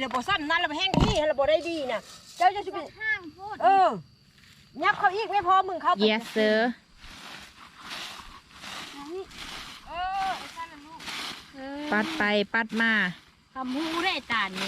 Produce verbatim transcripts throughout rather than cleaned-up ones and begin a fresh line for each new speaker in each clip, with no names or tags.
เลยบ่สั้นนั่นแล้วแห้งที่แล้วบ่ได้ดีน่ะเจ้าจะสิเป็นห้างพูดเออยับเขาอีกไม่พอมึงเขา
yes sir
เออไอ้สั้นน่ะลูก
ปัดไปปัดมา
ทำหูได้ตานี่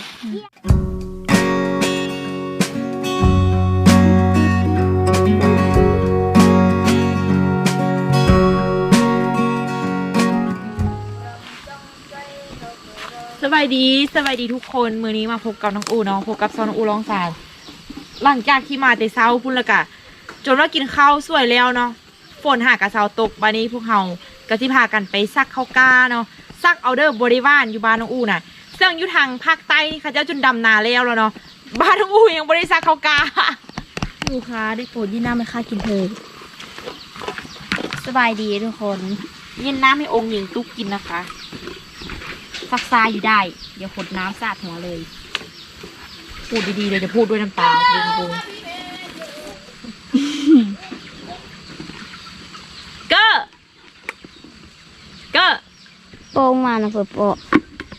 สบายดีสบายดีทุกคนมื้อนี้มาพบกับน้องอูเนาะพบกับซอนน้องอูร้องสารหลังจากที่มาแต่เช้าพุ่นละกะจนว่ากินข้าวสวยแล้วเนาะฝนหากะเช้าตกบัดนี้พวกเฮาก็สิพากันไปซักข้าวกาเนาะซักเอาเด้อบริวารอยู่บ้านน้องอูน่ะซึ่งอยู่ทางภาคใต้นี่เขาเจ้าจนดำนาแล้วแล้วเนาะบ้านน้องอูยังบ่ได้ซักข้าวกา
ลูกค้าได้โปรดยี่น้ำไม่ค่ากินเธอสบายดีทุกคน
เย็นน้ำให้องค์หญิงตุ๊กกินนะคะ
ซักซาอยู่ได้ เดี๋ยวขดน้ำสาดหัวเลย
พูดดีๆเลยจะพูดด้วยน้ำตาบุ้งบุ้งก็ก็
โป้งมานะเพื่อโปะ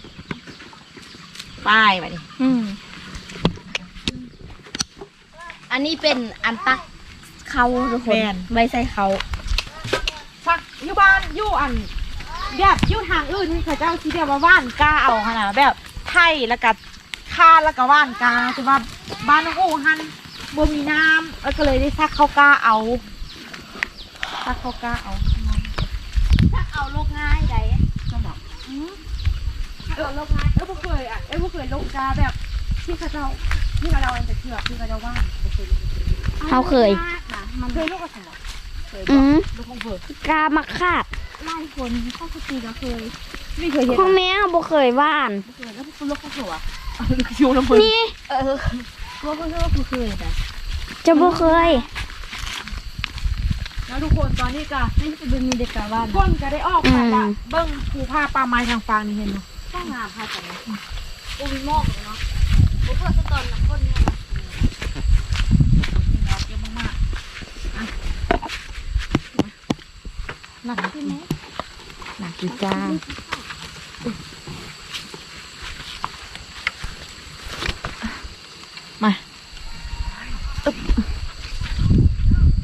ป้ายมาดิ
อืมอันนี้เป็นอันตักเขาทุกคนใบใส่เขา
ชักอยู่บ้านอยู่อันแบบอยู่ทางอื่นเขาเจ้าที่เรียกว่าว่านกาเอาขนาดแบบไทยแล้วก็คาแล้วก็ว่านกาคือว่าบ้านน้องอูหันบ่มีน้ำแล้วก็เลยได้ซักข้าวกาเอาซักข้าวกาเอา
ถ้าเอาโลกง่ายได้
ก็บอกเออลกงานเออบ่เคยอ่ะเออบ่เคยลกกาแบบที่เขาเจ้าที่เขาเจ้าอันจะเชือกที่เขาเจ้าว่านบ่เคยลก
เขาเคย
มันเคยลกกับสมองเคย
อืม
ลกของเบิร์
กามาคาดไล่คนเข้าสตีก็เคย
ไม่เคยเห็น
พ่อแม่บ่เคยว่าน
เคยแล้วพวกลกของหัวคิวลำเบิร์
นี่
เออว่าเพิ่งว่าเคยแต่
จะบ่เคย
แล้วทุกคนตอนนี้ก็
นี่จะเป็นมีเด็กกาว่าน
คนก็ได้ออกไปละเบิ้งภูผ้าปลาไม้ทางฟางนี่เห็นไหม
ข้างงามค่ะจังเลยโอ้มีหม้อเลยเนาะโอ้เพื่อสตอนน้ำข้นเนี่ยนะ
เยอะมากหนักใช่ไหมหนักจีจ้ามาอึ๊บไป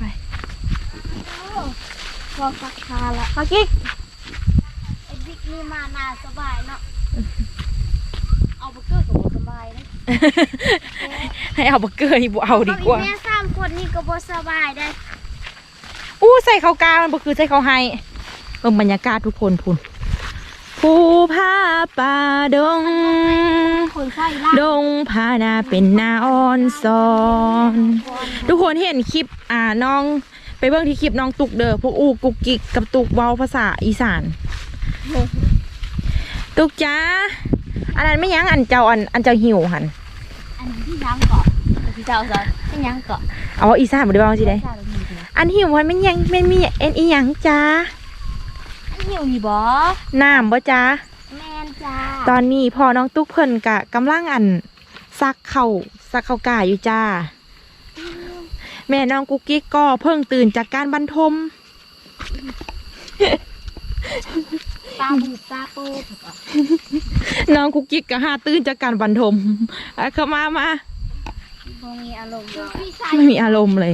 พอสักคาละ
มากิ๊ก
ไอ้บิ๊กนี่มานาสบายเนาะเอาเบอร์เกอร์กับสบายนะ
ให้เอาเบอร์เกอร์นี่บุเอาดีกว่า
แม่สามคนนี่ก็บ่สบายได้
อู้ใส่ข้าวกามันบ่คือใส่ข้าวไฮเบิ่งบรรยากาศทุกคนพุ่นภูผาป่าดง
คนไข้ล่า
ดงพานาเป็นนาอ่อนซอนทุกคนเห็นคลิปอ่าน้องไปเบิ่งที่คลิปน้องตุกเด้อพวกอูกุกกิกกับตุกเว้าภาษาอีสานตุกจ้าอันนั้นไม่ยั้งอันเจ้าอันอันเจ้าหิวหัน
อันนี้ที่ยังเกาะที่เจ้าซะที่ยังเกาะ
เอาอีสานบ่ได้เว้าสิได้อันหิวมันไม่ยังไม่มีเอ็นอีหยังจ้า
อันหิวนี่บ่
น้ำบ่จ้า
แม่นจ้า
ตอนนี้พอน้องตุ๊กเพิ่นกะกำลังอันซักเข่าซักเข่ากาอยู่จ้า แม่น้องกุ๊กกิ๊กก็เพิ่งตื่นจากการบรรทม
ตาบูบตาโป๊บ
น้องกุ๊กกิ๊กก็หาตื่นจากการบรรทมอ่ะเข้ามามา
บ่มีอารมณ์เลย
ไม่มีอารมณ์เลย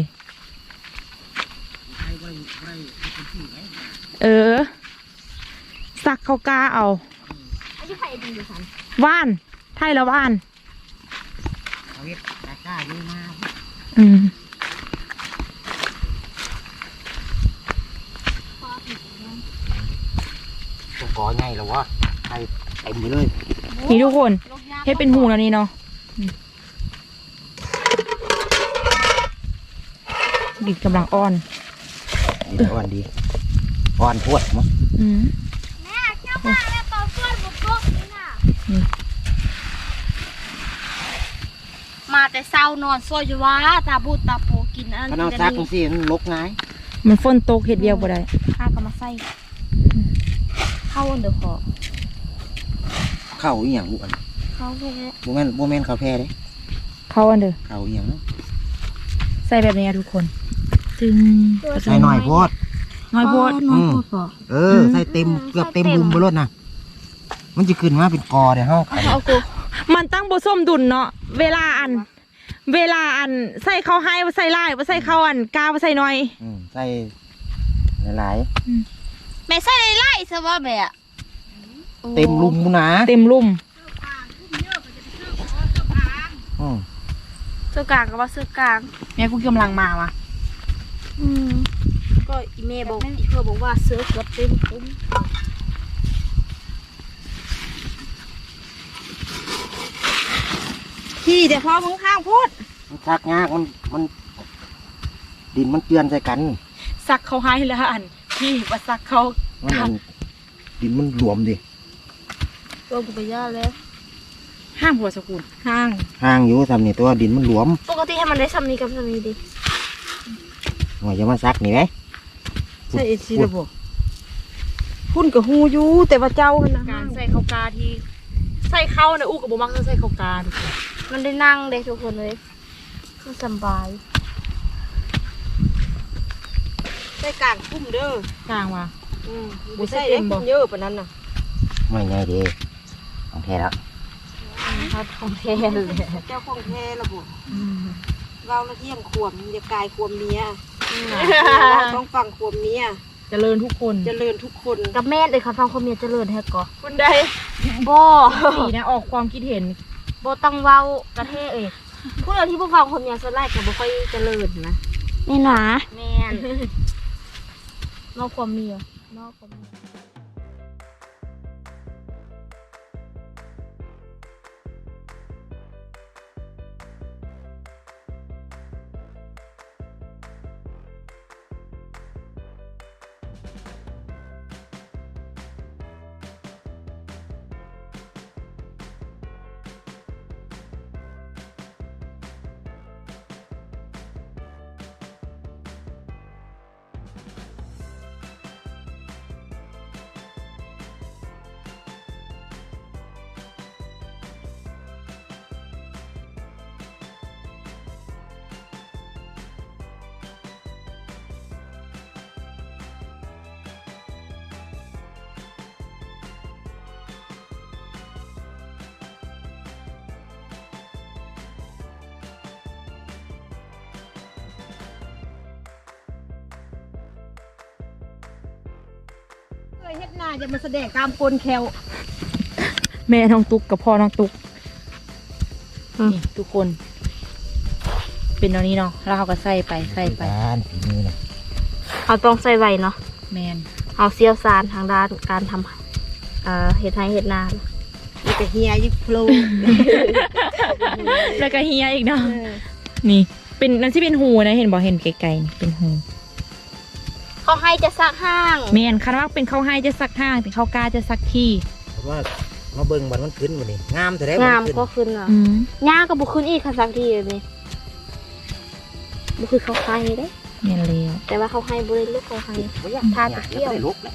เออซักเข่ากาเอา
อันนี้ใครดีดิฉัน
ว่านไทยละว่าน
เอาเฮ็ดตะกร้าอยู่มา
อืม
ตัวกอใหญ่แล้ววะไอ้เต็มไปเลย
นี่ทุกคนเฮ็ดเป็นหูแล้วนี่เนาะดิดกำลังอ่อน
ดีอ่อนดีอ่อนพวดมั้ง
อืม
แม่เจ้ามาแล้วตอนก้นบุกบกนี่น่ะ
นี่
มาแต่เช้านอนซอยอยู่ว่าตาบูตาโปกินอัน
ถ้าน้องซักจังซี่มันลกง่าย
มันฝนตกเฮ็ดเดียวบ่ได้
ข้าก็มาใส่เข้าอันเดอร์คอ
เข้าอีหยังบุอัน
เข้าแค่
บ่แม่นบ่แม่นข้าวแพ้เด้
เข้าอันเด้อ
เข้าอีหยังเนาะ
ใส่แบบนี้อะทุกคนจึง
ใส่หน่อยโพด
น้อยโพด
น้อยโพดบ่
เออใส่เต็มเกือบเต็มบุมไปรถนะมันจะขึ้นมาเป็นกอเดี๋ยวเฮา
เอากู
มันตั้งบ่ส้มดุลเนาะเวลาอัน เวลาอันใส่ข้าวให้ว่าใส่ลายว่าใส่ข้าวอันกาว่าใส่น้อย
อืมใส่หลาย
แม่ใส่ไล่ซะว่าแม่
ๆเต็มลุมนะ
เต็มลุ่ม
อืม
เสื้อกลางก็ว่าเสื้อกลาง
แม่กูกำลังมาวะ
อืมก็อีเมย์บอกอีเพื่อบอกว่าเสื้อเกือบเต็มคุ้ม
ขี่แต่พอมึงข้างพูด
มันชักยากมันมันดินมันเจือนใส่กัน
ซักเขาให้แล้วอันพี่ว่าซักเขา
มันมันดินมันหลวมดิ
ตัวกูไปย่าแล้ว
ห้ามหัวสกุลห้าง
ห่างอยู่ทำนี่ตัวดินมันหลวม
ปกติให้มันได้ซ้ำนี้กับซ้ำนี้ดิ
หน่อยจะมาซักนี่ไหม
ใช่เอชีระบบพุ่นกับฮูอยูแต่ว่าเจ้าหั่นนะ
การใส่ข้าวกาที่ใส่ข้าวนะอู้กับโบมักจะใส่ข้าวกาทุกคน
มันได้นั่งได้ทุกคนเลยคือสบาย
ใส่กลางพุ่มเด้อก
ลางว่ะ
อืมบ่ใส่ได้พุ่มเยอะปานนั้นน่ะ
ไม่ไงดีของแท้แล้ว
เขาทองแท้เลย
เจ้าของแท้ระบบเราละเที่ยงขวมอย่ากายขวมเมียเราต้องฟังขวมเมีย
เจริญทุกคน
เจริญทุกคน
กับแม่เลยค่ะฟังความเมียเจริญแท้ก่อ
คนใด
บ่
สีนะออกความคิดเห็น
บ่ต้องเว้ากระเทเอ้ยผู้ใดที่บ่ฟังความเมียส่วนหลายก็บ่ค่อยเจริญนะนี่หนาแม่นนอกความเมียนอกความเมีย
เคยเฮ็ดหน้าจะมาแสดงกามกลแคว
แม่น้องตุกกับพ่อน้องตุกนี่ทุกคน เป็นตอนนี้เนาะแล้วเขาก็ใส่ไปใส่ไป
บ้านฝีมือนะ
เขาต้องใส่ไว้เนาะ
แมน
เขาเชี่ยวชาญทางด้านการทำเอ่อเฮ็ดไร่เฮ็ดนา
นี่ก็เฮียยิโฟล
แล้วก็เฮียอีกเนาะนี่เป็นนั่นที่เป็นหูนะเห็นบอกเห็นไกลๆนี่เป็นหู
เขาให้จะซักห้าง
แมนคันว่าเป็นข้าวให้จะซักห้างเป็นข้าวกาจะซักที่
เพราะว่ามาเบิ่งบันมันขึ้นวันนี้งามแต่ได้
งาม
ขึ้น
ก็ขึ้นอ่ะ
อืม
หญ้าก็บุขึ้นอีกค่ะสักทีแบบนี้บุคือเขาให้เด้
แมนแล้ว
แต่ว่าเขาให้บุได้ลูกเขาให้ ทาตะเกียบ
ไม่ได้ลุกแล้ว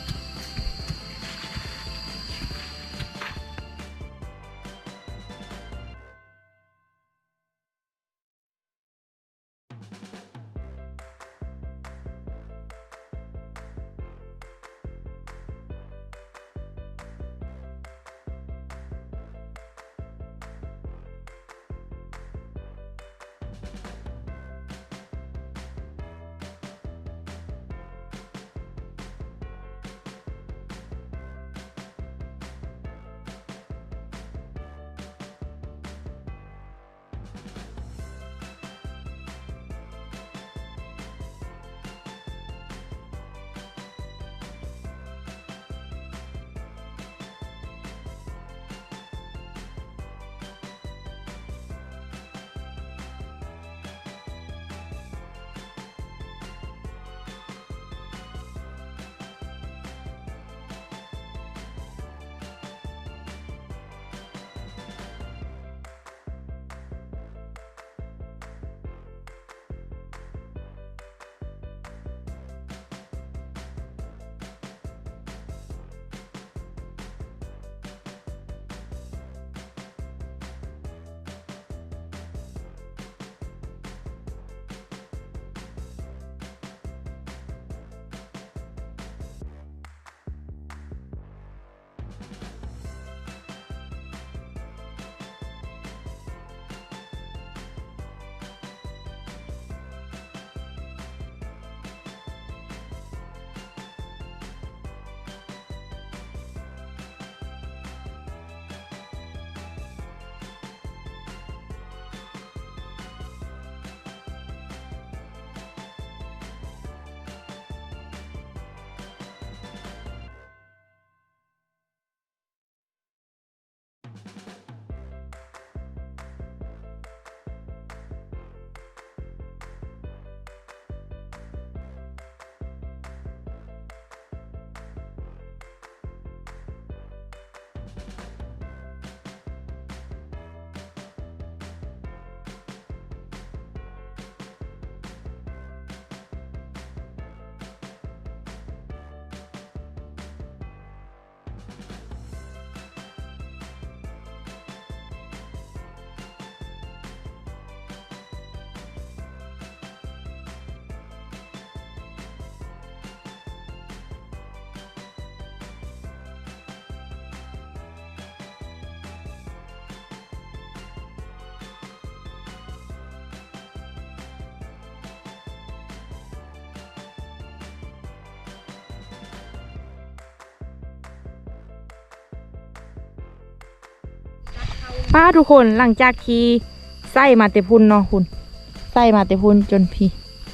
ป้าทุกคนหลังจากที่ไส้มาเตพุนเนาะคุณไส้มาเตพุนจนพี่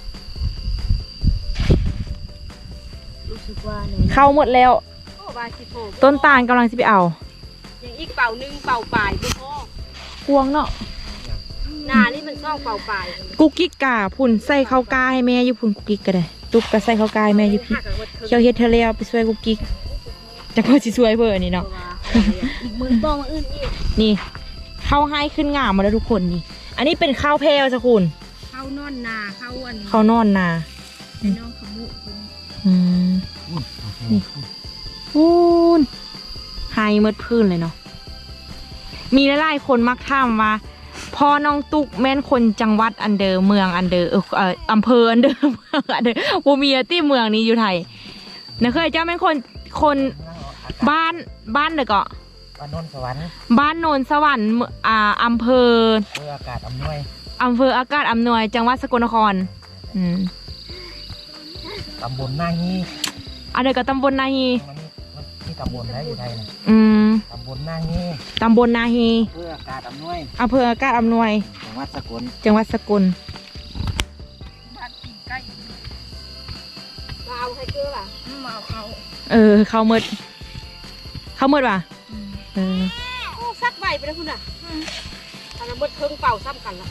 รู้สึกว่าเนี่ย
เข้าหมดแล้ว
โอ้บาสิโผ
ต้นตาลกำลังจะไปเอา
ยังอีกเป่าหนึงเป่าปลายบ่พอ
พวงเนาะ
หนานี่มันซ่องเป่าปลาย
กุกกิ๊กกาพุ่นใส่ข้าวกาให้แม่อยู่พุ่นกุกกิ๊กก็ได้ตุกก็ใส่ข้าวกาให้แม่อยู่พี่เขียวเฮ็ดเธอแล้วไปช่วยกุกกิ๊กจะก็สิช่วยเพิ่นนี่เนาะ
อีกมือบ้องอื่นอีก
นี่ข้าวให้ขึ้นงามมาแล้วทุกคนนี่ อันนี้เป็นข้าวแพรวจ้ะคุณ
เข้านอนนาเข้าอัน
ข้าวนอนนา
ไอ้น้องขมุก
อืมนี่พูนไฮเมืดพื้นเลยเนาะมีหลายๆคนมักถามว่าพ่อน้องตุกแม่นคนจังหวัดอันเดอร์เมืองอันเดอร์เออเอ่ออำเภออันเดอร์เมืองอันเดอร์บ่มีที่เมืองนี้อยู่ไทยนะเคยเจ้าแม่นคนคนบ้านบ้านเด้อก็
บ้านโนนสวรรค์
บ้านโนนสวรรค์เมืองอ่าอำเภอ
เพื่ออากาศอำนวย
อำเภออากาศอำนวยจังหวัดสกลนครอืม
ตำบลหน้าฮี
อันเดอร์ก็ตำบลนาฮี
มันมันที่ตำบลได้อยู่ไทยนะ
อืม
ตำบลหน้าฮี
ตำบลนาฮี
เพื่ออากาศอำนวย
อำเภออากาศอำนวย
จังหวัดสกล
จังหวัดสกล
บ้านกินใกล้มาเอาให้เกลือล่ะมาเอาเขา
เออเข้าเมดเข้าเมดว่ะเออ
โอ้ซักใบไปแล้วคุณอ่ะอันนั้นเบิดเครื่องเป่าซ้ำกันละ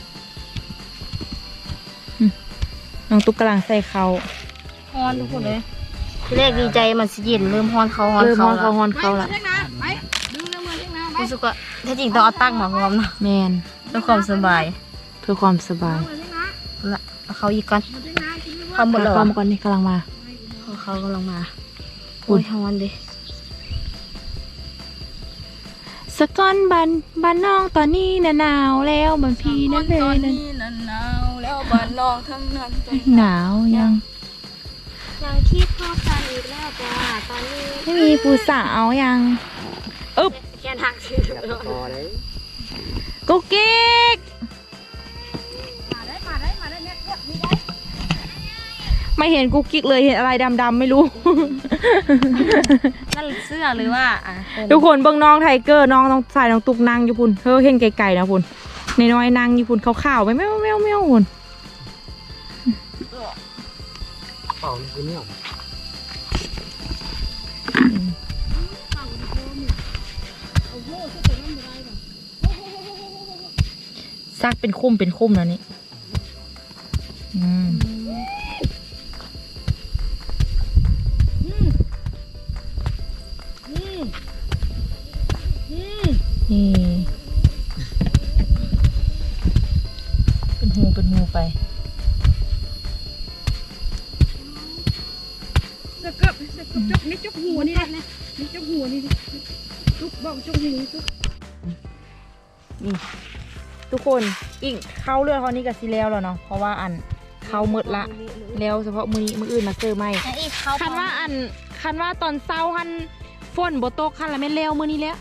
น้องตุ๊กกำลังใส่เขา
ฮอนทุกคนเลยทีแรกดีใจมันสิเย็นเริ่มฮอนเขาฮอน
เริ่มฮ
เขา
อน
แล้
เขา
ว
ฮอนเขา
ไป
ละ
เช็คนะไปดึงเรื่องมือเช็คนะไป
รู้สึกว่าแท้จริงต้องเอาตั้งมาพร้อมนะ
แมน
เพื่อความสบาย
เพื่อความสบาย
มือเช็คนะ
ละเอาเขาอีกก่อน
มือเช็คนะกินไม่ว่า
เขาหมดแล้ว
เข้า
อะ
มาก่อนนี่กำลังมา
เขาเขากำลังมา
อุ๊
โอ้
ย
ยฮอนดิ
สกอนบันบ้านน้องตอนนี้น่ะหนาวแล้วมันพี่นั่นเลยนั่น
นั่นหนาวแล้วบ้านน้องทั้งนั้น
หนาวยัง
ยังคิดพอกันอีกแล้วจ้าตอนนี้
ไม่มีผู้สาวยังอึบ
แค่ทักชื่อ
พอเลย
กุ๊กกิ๊ก
มาได้มาได้มาได้เนี่ยเนี่ยมีได้
ไม่เห็นกุ๊กกิ๊กเลยเห็นอะไรดำๆไม่รู้
นั่นเสื้อหรือว่าอ่ะ
ทุกคนเบิ่งน้องไทเกอร์น้องน้องสายน้องตุกนั่งอยู่พุ่นเธอเห็นไกลๆนะพุ่นในน้อยๆนั่งอยู่พุ่นขาวๆไปแมวแมวแมวพุ่น
เป่าคือเนี่ย
ซักเป็นคุ้มเป็นคุ้มแล้วนี่อืมนี่เป็นหูเป็นหูไป
สะเกับสะเกับจกนี่จกหัวนี่นะนี่จกหัวนี่จุกบอกจกหัวจุก
นี่ทุกคนอีกเข้าเรือเท่านี้กับซีแล้วแล้วเนาะเพราะว่าอันเข้าหมดละแล้วเฉพาะมือนี้มืออื่นมาเจอไหม
แล้วอีกเขา
คันว่าอันคันว่าตอนเช้าหันฝนบ่ตกคันละแม่นแล้วมือนี้แล้ว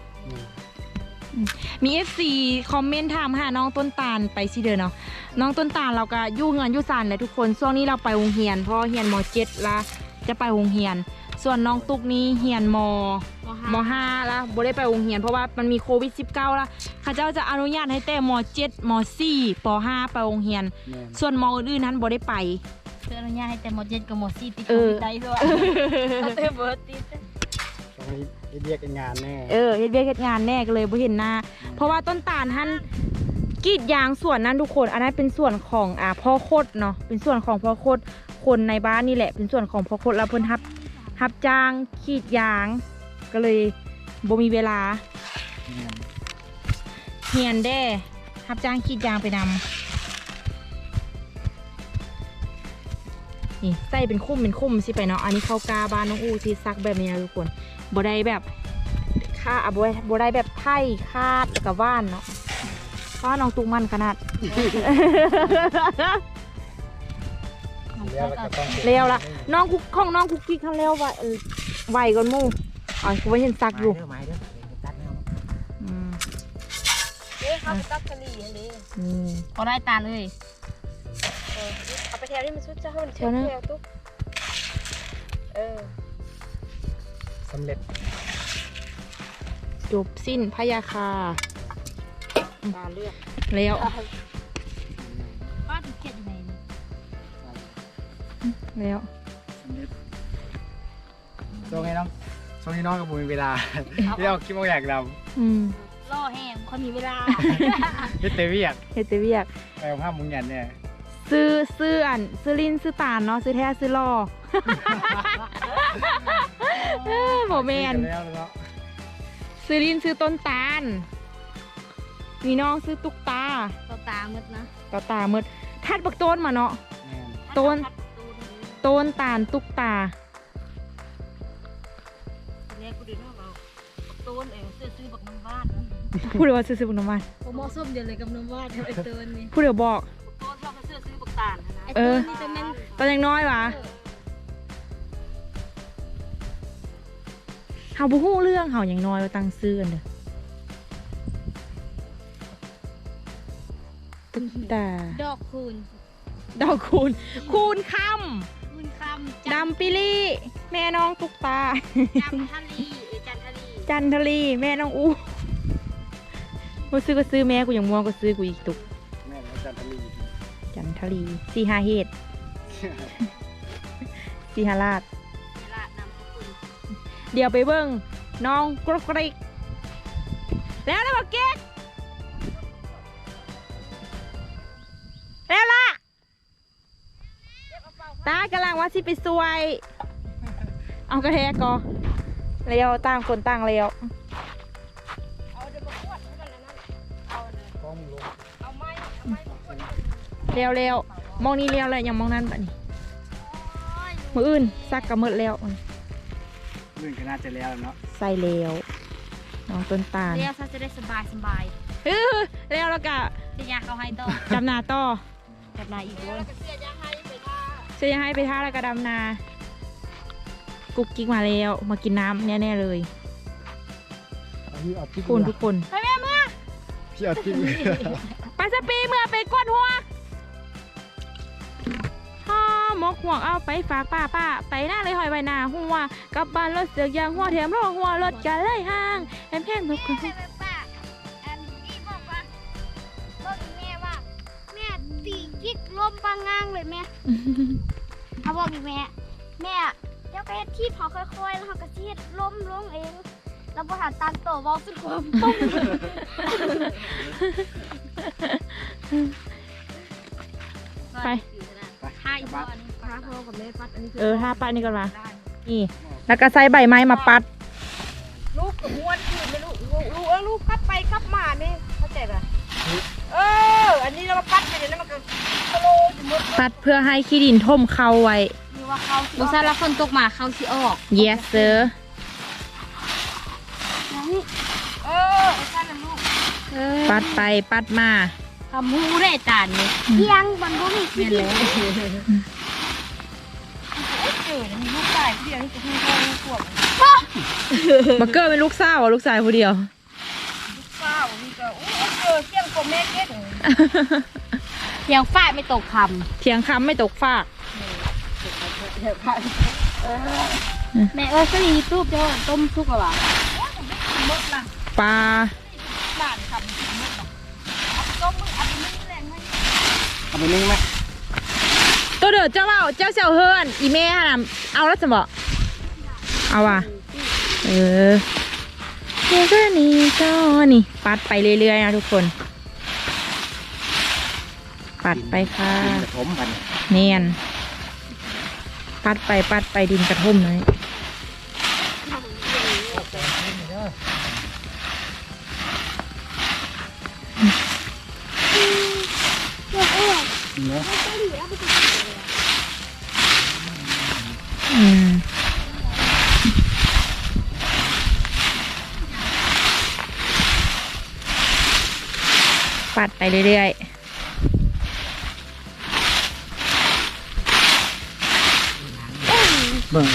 มีเอฟซีคอมเมนต์ถามหาน้องต้นตาลไปสิเด้อเนาะน้องต้นตาลเราก็อยู่เงินอยู่ซานเลยทุกคนช่วงนี้เราไปโรงเรียนเพราะเรียนมเจ็ดละจะไปโรงเรียน ส่วนน้องตุกนี้เรียนมมห้าละบ่ได้ไปโรงเรียนเพราะว่ามันมีโควิดสิบเก้าละเขาเจ้าจะอนุญาตให้แต่มเจ็ดมสี่ปห้าไปโรงเรียน ส่วนมอื่นๆนั้นบ่ได้ไป
เพื่ออนุญาตให้แต่หมดเจ็ดกับหมดสี่ติด
เอ
โค
อ
วิดได้ด้วยเอาเตเบิร์ดติด
ตรงนี้เรียกงานแน่
เออเฮ็ดเวียกเฮ็ดงานแน่ก็เลยบ่เห็นหน้า เพราะว่าต้นตาลท่านกรีดยางส่วนนั้นทุกคน อันนั้นเป็นส่วนของอ่าพ่อโคตรเนาะเป็นส่วนของพ่อโคตรคนในบ้านนี่แหละ เป็นส่วนของพ่อโคตรแล้วเพิ่นรับรับจ้างกรีดยาง ก็เลยบ่มีเวลาเฮียนแด้รับจ้างกรีดยางไปนำนี่ใส่เป็นคุ้มเป็นคุ้มสิไปเนาะอันนี้เข้ากาบ้านน้องอูที่ซักแบบนี้นะทุกคนบ่ได้แบบค่าอ่ะบ่ได้บ่ได้แบบไผ่คาดแล้วกับว่านเนาะว่าน้องตุกมันขนาด
แล้วก็ต้อง
เร็วละน้องคุกของน้องคุกกี้ขั้นเร็วไวเออไวก่อนหมู่อ๋อคือว่าเห็นซักอยู่
ไม้เด้อตัดแนว
อืม
เอ๊ะเขาไปตักกะหรี่อันนี้
นี่
พอได้ตาเลย
เอาไปแถวนี้มันชุดจะให้มันแถวแถวตุ๊กเออ
สำเร็จ
จบสิ้นพยาคา
ตาเลือก
แล้ว
ป้าถึงเขียนยังไงนี่
แล้ว
ช่วงนี้น้องช่วงนี้น้องกับผมมีเวลาที่เราคิดว่าอยากด
อืม
ล่อแห้งคนมีเวลา
ำพี่เตวี่อยาก
เฮ็ดแต่เวียก
ไปกับภาพมุงยันเนี่ย
ซื้อซื้ออันซื้อลิ้นซื้อตาลเนาะซื้อแท้ซื้อล่อ เออบ่แม่น
แล้วเนาะ
ซื้อลิ้นซื้อต้นตาลมีน้องซื้อตุ๊กตา
ต่อตามืดนะ
ต่อตาหมดทัดบักต้นมาเนาะ
แม่น
ต้น
ทัดตูน
ต้นตาลตุ๊กตา
เนี่ยกูเดินมาเอาตูนเองซื้อซื้อบักน้ำบ้าน
พูดเลยว่าซื้อซื้อบุญน้ำมัน
ผมเหมาะสมเดียวเลยกับน้ำบ้านไอ้ตูนนี่
พูดเดี๋ยวบอก
ต้นเราก็ซื้อซื้อบักตาลนะ
ไอ้
เอ
ตู
อ
นนี่จะแม่น
ตอนยังน้อยวะเฮาบ่ฮู้เรื่องเฮายังน้อยว่าตั้งซื้อกันเด้อตุ๊กตา
ดอกคูณ
ดอกคูณคูณค
คูณคำ
ำดำปิลี่แม่น้องตุ๊กตา
จำทะลีเออจันทลี
จันทลีแม่น้องอู้บ่ซื้อก็ซื้อแม่กูยังม่วงก็ซื้อกูอีกตุก
แม่นอาจารย์ทลี
จันทลีสี่ห้าเฮ็ดสี่ห้าลาด
เวลานำสกุล
เดี๋ยวไปเบิ่งน้องกรกกริกแล้วนะบอกเก๊กแล้วล่ะตากำลังว่าสิไปซวย เอากระแทกก่อแล้วต่างคนต่างแล้ว
เอาเดี๋ยวมาขวดให้กันแล้วนั่นเอาเลย
กล้องลง
เอาไม้เอาไม้มาขวด
เร็วเร็วมองนี้เร็วเลยยังมองนั้นปะนี่มืออื่นซักกระมืดแล้ว
เรื่องก็น่าจะแล้วเนาะ
ใส่เร็วน้องต้นตาล
เรียกซะจะได้สบายสบาย
เออเร็วแล้วก็
จะยาเขาให้ต่อ
ดำนาต่อ
แบบนายอีกด้วย
แล้วก็เสียยาให้ไปท่า
จะยังให้ไปท่าแล้วก็ดำนา กุ๊กกิ๊กมาแล้วมากินน้ำแน่ๆเลย
เอาพี่เอาพี่
คุณทุกคน
พี่เอาพี่
ไปสปีเมื่อไปก้นหัวห่อหมกห่วงเอาไปฝากป้าป้าไปหน้าเลยหอยใบหน้าหัวกลับบ้านรถเสือกยางหัวแถมรองหัวรถกันเลยห่างแอมแพงทุกคน
แม่ป้าอันนี้บอกว่าบอกแม่ว่าแม่ตีกิ๊กลมปางงางเลยแม่เขาบอกอีกแม่แม่เดี๋ยวไปที่พอค่อยๆแล้วเขาก็เทียดล้มลงเองแล้วพอหันตันโตวอลสุดความปุ้ง
ไป
ท่าอีกบ้านท่าพ่อกับแม่พัดอันนี้
เออท่าป้านี่ก่อนมานี่ แล้วก็ใส่ใบไม้มาปัด
ลูกกับม้วนคือไม่รู้ลูกลูกเออลูกกลับไปกลับมาเนี่ยเข้าใจป่ะเอออันนี้เรามาปัดไปเดี๋ยวนั้นมันก็โคโลอยู่หมด
ปัดเพื่อให้ขี้ดินท่มเข้าไว้
คือว่าเขา
บุษราคนตกมาเขาสิออก
yes sir
เออไอ้ท่านน่ะลูก
ปัดไปปัดมา
คำหูได้จานนี่เที่ยงบันบุมีกินเลย
ไอ้เกิดมีลูกชายผู้เดียวนี่จะให้พ่อลูกขวบ
บักเกอร์เป็นลูกสาวอ่ะลูกชายคนเดียว
ลูกสาวนี่ก็อู้ไอ้เกิดเที่ยงกว่าแม่เก็ด
เที่ยงฝ้ายไม่ตกค
เถียงคำไม่ตกฟาก
ำแม่เออสลีตู้เจ้าต้มซุกอะวะ
ปลา
บ้านคำถึงหมดหรอกเอาต้มมึงเอาไปนึ่งแรงให้
เอาไปนึ่งไหม
ตัวเดือดเจ้าว่าเจ้าเซลเฮิร์นอีเม่ฮะนะเอาแล้วจะบอกเอาว่ะเออเดี๋ยวก็นี่ก็นี่ปัดไปเรื่อยๆนะทุกคน ปัดไปค่ะ
ดินกระถมกัน
เนียนปัดไปปัดไปดินกระท่มเลย
เนาะ
อืมปัดไปเรื่อยๆ
เบิ่ง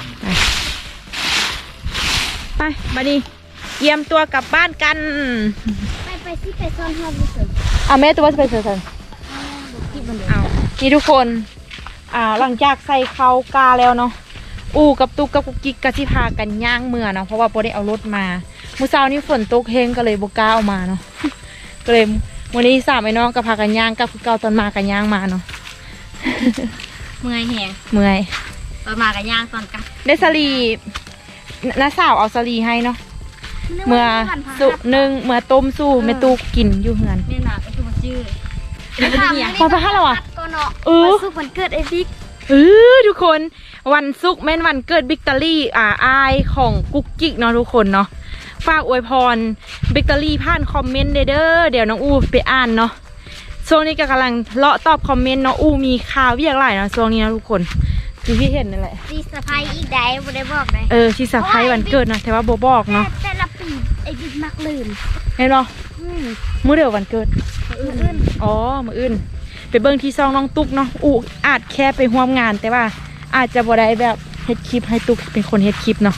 ไปบัดนี้เยี่ยมตัวกลับบ้านกัน
ไปไปที่ไปซ่อนห้องที่สุด
เอาแม่ตัวไปเสือสัน
ที่บันเด
เอานี่ทุกคน อ่า หลังจากใส่เขากาแล้วเนาะ อูกับตุกกับกุกกิ๊กกะสิพากันย่างเมื่อเนาะ เพราะว่าโบได้เอารถมามื้อเช้านี้ฝนตกเฮงก็เลยโบกล้าเอามาเนาะก็เลยวันนี้สามไอ้น้องก็พากันย่างกับเก่าตอนมากันย่างมาเนาะ
เมื่อยแหง
เมื่อย
ตอนมากันย่างตอนกลับ
ได้สลีน้าสาวเอาสลีให้เนาะเมื่อสุหนึ่งเมื่อต้มสู้แม่ตูกินอยู่เฮือน
นี่น่ะก็คือมาจื้อ
พอไปห้าแล้วอ่ะ
ก็เนาะ
เออ
วันศุกร์วันเกิดไอ้บิ๊ก
เออทุกคนวันศุกร์แม่นวันเกิดบิ๊กตอรี่อ่าอายของกุ๊กกิ๊กเนาะทุกคนเนาะฝากอวยพรบิ๊กตอรี่ผ่านคอมเมนต์เด้อเดี๋ยวน้องอูไปอ่านเนาะช่วงนี้ก็กำลังเลาะตอบคอมเมนต์เนาะอูมีข่าวเวียกหลายเนาะช่วงนี้นะทุกคนที่พี่เห็นนั่นแหละ
ดีสะพายอีกได้บ่ได้บอกได้
เออที่สะพายวันเกิดนะแต่ว่าโบบอกเนาะ
แต่แต่ละปีไอ้บิ๊กมักลืม
เห็นเนาะ
อืม
มื้อเดียววันเกิด
มื้ออื่น
อ๋อมื้ออื่นไปเบิ่งที่ซองน้องตุ๊กเนาะอูอาจแค่ไปร่วมงานแต่ว่าอาจจะบ่ได้แบบเฮ็ดคลิปให้ตุ๊กเป็นคนเฮ็ดคลิปเนาะ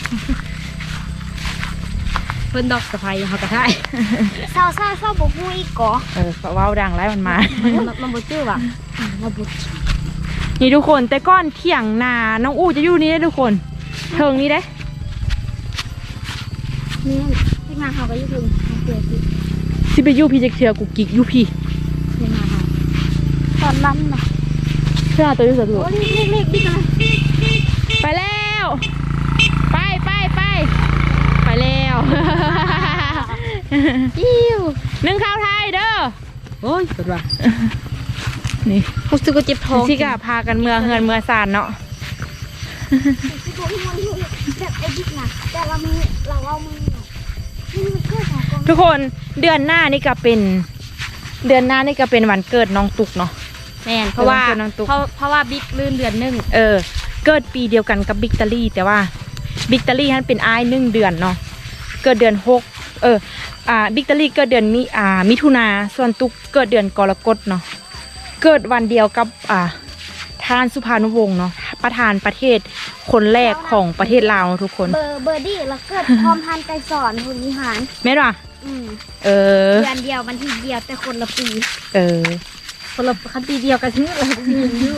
เพิ่นดอกสะพายเขากระทาย
เศร้าเศร้าเศร้าบ่ฮู้อีกก่อ
เออเว้าดังไรมันมา
มันมันบ่จื้อว่ะ
มาบุ
นี่ทุกคนแต่ก้อนเที่ยงนาน้องอู้จะอยู่นี่ได้ทุกคนเทิงนี้ได้
นี่ที่มาเขาก็อยู่ถึงเกิดสิ
สิไปอยู่พี่จะเถื่อกูกิกอยู่พี่
ที่มาเขาตอนนั้นน่ะ
เพื่อตัวอยู่สะดวก
โอ้เล็กๆๆบิ๊กนะ
ไปแล้ว ไปไปไปไปแล้ว
จิ้ว
นึ่งข้าวไทยเด้อ
โอ้ยสุดว่ะ
นี่
รู้สึกว่าเจ็บท้อง
สิกะพากันเมืองเฮือนเมืองซานเนาะ
ที่ผมมันอยู่แบบไอ้บิ๊กนะแต่เรามีเราเอามือนี่มันเกิดของกอง
ทุกคนเดือนหน้านี่ก็เป็น เดือนหน้านี่ก็เป็นวันเกิดน้องตุกเนาะ
แม่นเพราะว่า
เออมันคือน้ำตุ๊ก
เพราะเพราะว่าบิ๊กลื่นเดือนหนึง
เออเกิดปีเดียวกันกับบิ๊กตอรี่แต่ว่าบิ๊กตอรี่ท่านเป็นอ้ายหนึ่งเดือนเนาะเกิดเดือนหกเอออ่าบิ๊กตอรี่เกิดเดือนมิอ่ามิถุนาส่วนตุกเกิดเดือนกรกฎเนาะเกิดวันเดียวกับอ่าท่านสุภานุวงศ์เนาะประธานประเทศคนแรกของประเทศลาวเนาะทุกคน
เบอร์เบอร์ดี้แล้วเกิดพร้อมทันไกรสอนคุณวิหาร
แม่นว่ะ
อืม
เออ
เดือนเดียววันที่เดียวแต่คนละปี
เออ
คนละคันปีเดียวกันชื่ออะไรมีอยู่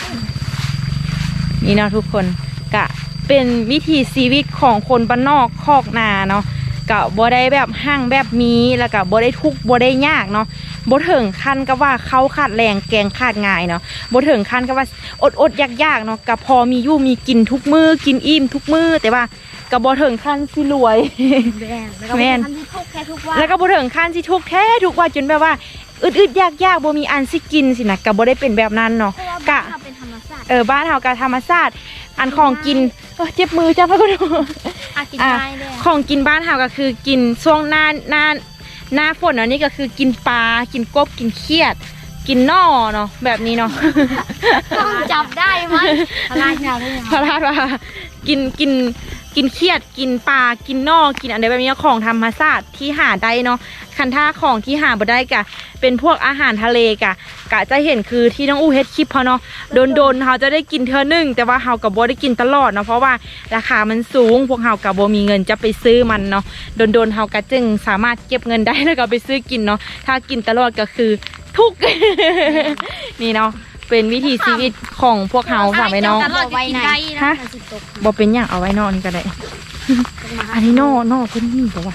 นี่เนาะทุกคนกะเป็นวิถีชีวิตของคนบ้านนอกคอกนาเนาะกะบ่ได้แบบห้างแบบมีแล้วกะบ่ได้ทุกข์บ่ได้ยากเนาะบ่ถึงขั้นกับว่าเขาขาดแรงแกงขาดง่ายเนาะบ่ถึงขั้นกับว่าอดอดยากยากๆเนาะกะพอมีอยู่มีกินทุกมือกินอิ่มทุกมือแต่ว่ากะบ่ถึงขั้นสิรวย
แม่นแล้วก็
แม่น
ทันที่ทุกแค่ทุกวัน
แล้วก็บ่ถึงขั้นสิทุกข์แท้ทุกว่าจนแบบว่าอึดอึดยากยากๆบ่มีอันสิกินสินะกะบ่ได้เป็นแบบนั้นเนาะ
เพราะว่าก
ะ
บ้านเราเป็นธรรมชาติ
เออบ้านเฮากะธรรมชาติอันของกินเอ้อเจ็บมือจับแล้วก็ดู
อากิน
อ่ะ
ได้เลย
ของกินบ้านเฮาก็คือกินช่วงหน้าหน้าหน้าฝนเนาะนี่ก็คือกินปลากินกบกินเขียด กินหน่อเนาะแบบนี้เนาะ
ต้องจับได้มั้ย
พลาดยาวเลย
พระราชว่ากินกินกินเขียดกินปลากินหน่อกินอันใดแบบนี้ของธรรมชาติที่หาได้เนาะคันท่าของที่หาบ่ได้กะเป็นพวกอาหารทะเลกะกะจะเห็นคือที่น้องอู้เฮ็ดคลิปเขาเนาะโดนโดนๆเขาจะได้กินเทื่อนึงแต่ว่าเฮากับบ่ได้กินตลอดเนาะเพราะว่าราคามันสูงพวกเฮากับบ่มีเงินจะไปซื้อมันเนาะโดนโดนๆเฮาก็จึงสามารถเก็บเงินได้แล้วก็ไปซื้อกินเนาะถ้ากินตลอดก็คือทุกข์ นี่เนาะเป็นวิถีชีวิตของพวกเฮาฝากไว้น้อง
ตลอดจะกินได้
ฮะ
มันสิตก
บ่เป็นอย่างเอาไว้นอนก็ได้ อันนี้นอนอเพิ่นนี่บอกว่า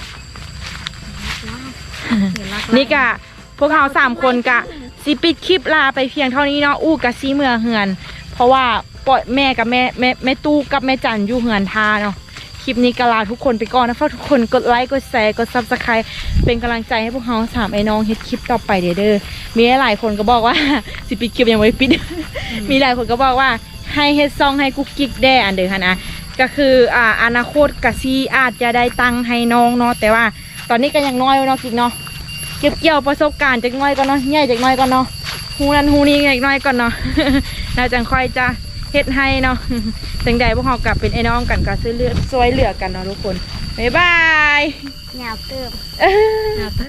นี่กะพวกเราสามคนกะสิปิดคลิปลาไปเพียงเท่านี้เนาะอู้กะซีเมือเหือน เพราะว่าปล่อยแม่กับแม่แม่แม่ตู้กับแม่จันอยู่เหือนทาเนาะคลิปนี้ก็ลาทุกคนไปก่อนนะฝากทุกคนกดไลค์กดแชร์กดซับสไครต์เป็นกำลังใจให้พวกเราสามไอ้น้องเฮ็ดคลิปต่อไปเด้อเด้อมีหลายคนก็บอกว่า สิปิดคลิปยังไม่ปิด มีหลายคนก็บอกว่าให้เฮ็ดซองให้กุ๊กกิ๊กแด่อันเด้อค่ะนะก็คืออ่าอนาคตกะซีอาจจะได้ตังค์ให้น้องเนาะแต่ว่าตอนนี้ก็ยังน้อยอยู่เนาะกิ๊กเนาะเก็บเกี่ยวประสบการณ์จากน้อยก่อนเนาะใหญ่จากน้อยก่อนเนาะฮูนั้นฮูนี้จากน้อยก่อนเนาะ แล้วจังค่อยจะเฮ็ดให้เนาะ จังใดพวกเรากลับเป็นไอ้น้องกันก็ซื้อเลือดซอยเหลือกันเนาะทุกคนบ๊ายบาย
แนวเติม
เอ้อ